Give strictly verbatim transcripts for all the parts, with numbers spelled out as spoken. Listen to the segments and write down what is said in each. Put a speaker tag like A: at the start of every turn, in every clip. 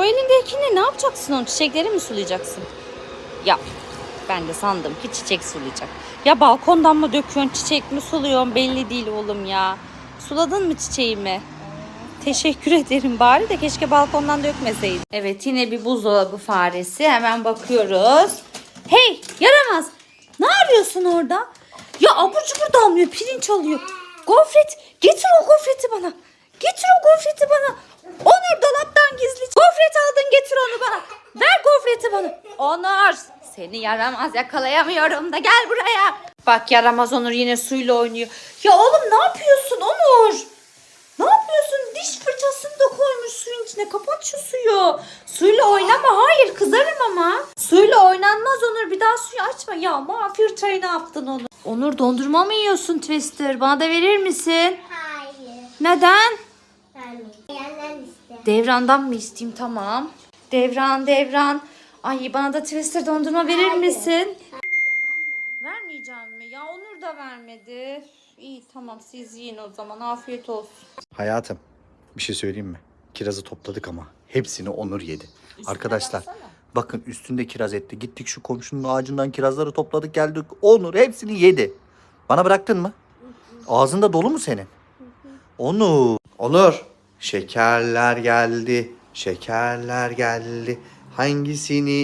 A: o elindekini ne yapacaksın onu? Çiçekleri mi sulayacaksın? Ya ben de sandım ki çiçek sulayacak. Ya balkondan mı döküyorsun, çiçek mi suluyorsun belli değil oğlum ya. Suladın mı çiçeğimi? Teşekkür ederim, bari de keşke balkondan dökmeseydin. Evet, yine bir buzdolabı faresi. Hemen bakıyoruz. Hey yaramaz. Ne arıyorsun orada? Ya abur cubur damlıyor, pirinç alıyor. Gofret, getir o gofreti bana. Getir o gofreti bana. Onur, dolaptan gizli gofret aldın, getir onu bana. Ver gofreti bana. Onur, seni yaramaz, yakalayamıyorum da gel buraya. Bak yaramaz Onur yine suyla oynuyor. Ya oğlum ne yapıyorsun Onur? Ne yapıyorsun? Diş fırçasını da koymuş suyun içine. Kapat şu suyu. Suyla oynama. Hayır, kızarım ama. Suyla oynanmaz Onur. Bir daha suyu açma. Ya mağfir çayı ne yaptın Onur? Onur, dondurma mı yiyorsun Twister? Bana da verir misin?
B: Hayır.
A: Neden?
B: Yandan iste.
A: Devrandan mı isteyeyim? Tamam. Devran, Devran. Ay, bana da Twister dondurma verir
B: Hayır.
A: misin? Vermeyeceğim mi? Ya Onur da vermedi. İyi tamam, siz yiyin o zaman. Afiyet olsun.
C: Hayatım, bir şey söyleyeyim mi? Kirazı topladık ama hepsini Onur yedi. Arkadaşlar
A: baksana.
C: bakın, üstünde kiraz etti. Gittik şu komşunun ağacından kirazları topladık geldik. Onur hepsini yedi. Bana bıraktın mı? Ağzında dolu mu senin? Onur. Onur. Şekerler geldi. Şekerler geldi. Hangisini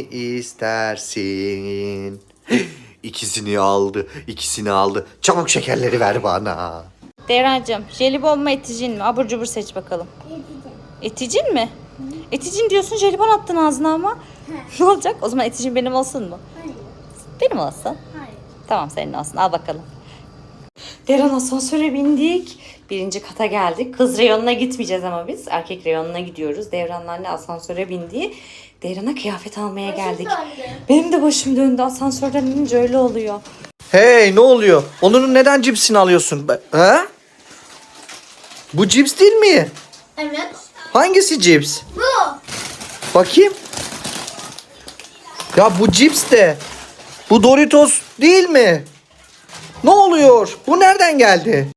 C: istersin? İkisini aldı. İkisini aldı. Çabuk şekerleri ver bana.
A: Devrancığım, jelibon mu eticin mi? Abur cubur seç bakalım. Eticin mi? Eticin diyorsun, jelibon attın ağzına ama. Ne olacak? O zaman eticin benim olsun mu?
B: Hayır.
A: Benim olsun.
B: Hayır.
A: Tamam, senin olsun. Al bakalım. Devran, asansöre bindik. Birinci kata geldik. Kız reyonuna gitmeyeceğiz ama biz. Erkek reyonuna gidiyoruz. Devran'la anne asansöre bindi. Devran'a kıyafet almaya geldik.
B: döndü.
A: Benim de başım döndü. Asansörden inince öyle oluyor.
C: Hey, ne oluyor? Onur'un neden cipsini alıyorsun? Ha? Bu cips değil mi?
B: Evet.
C: Hangisi cips?
B: Bu.
C: Bakayım. Ya bu cips de. Bu Doritos değil mi? Ne oluyor? Bu nereden geldi?